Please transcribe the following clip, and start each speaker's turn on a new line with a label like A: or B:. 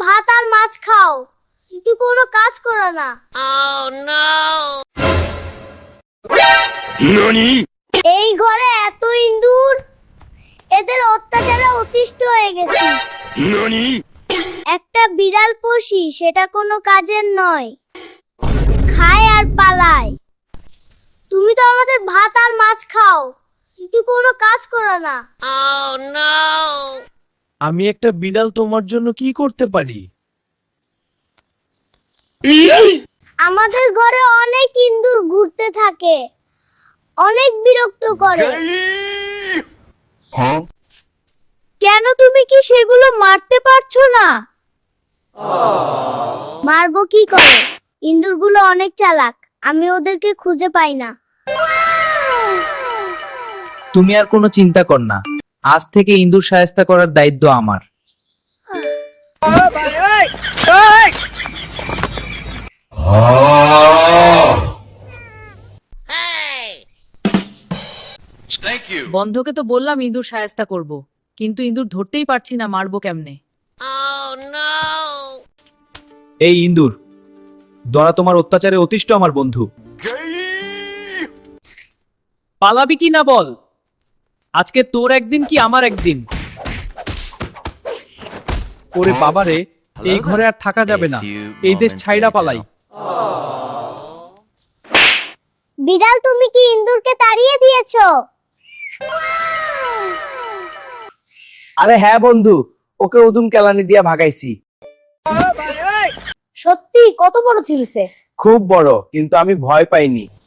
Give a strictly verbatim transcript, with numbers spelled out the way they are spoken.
A: ভাত আর মাছ খাও, কিন্তু কোনো কাজ করো না। Oh no!
B: ননি?
A: এই ঘরে এত ইঁদুর, এদের অত্যাচারে অতিষ্ঠ হয়ে গেছি।
B: ননি?
A: একটা বিড়াল পুষি, সেটা কোনো কাজের নয়, খায় আর পালায়। তুমি তো আমাদের ভাত আর মাছ খাও, কিন্তু কোনো কাজ করো না। Oh no!
C: আমি একটা বিড়াল তোমার জন্য কি করতে পারি?
A: আমাদের ঘরে অনেক ইঁদুর ঘুরতে থাকে, অনেক বিরক্ত করে। কেন তুমি কি সেগুলো মারতে পারছো না? মারবো কি করে, ইঁদুরগুলো অনেক চালাক, আমি ওদেরকে খুঁজে পাই না।
D: তুমি আর কোনো চিন্তা কর না, আজ থেকে ইঁদুর শায়েস্তা করার দায়িত্ব আমার।
E: বন্ধকে তো বললাম ইঁদুর শায়েস্তা করব, কিন্তু ইঁদুর ধরতেই পারছি না, মারবো কেমনে?
D: এই ইঁদুর, দরা তোমার অত্যাচারে অতিষ্ঠ আমার বন্ধু। পালাবি কি না বল, আজকে তোর একদিন কি আমার একদিন। ওরে বাবারে, এই ঘরে আর থাকা যাবে না, এই দেশ ছাইড়া পালাই।
A: বিড়াল, তুমি কি ইঁদুরকে তাড়িয়ে দিয়েছো?
C: আরে হ্যাঁ বন্ধু, ওকে উদুম কেলানি দিয়া ভাগাইছি।
A: সত্যি? কত বড় ছিল সে?
C: খুব বড়, কিন্তু আমি ভয় পাইনি।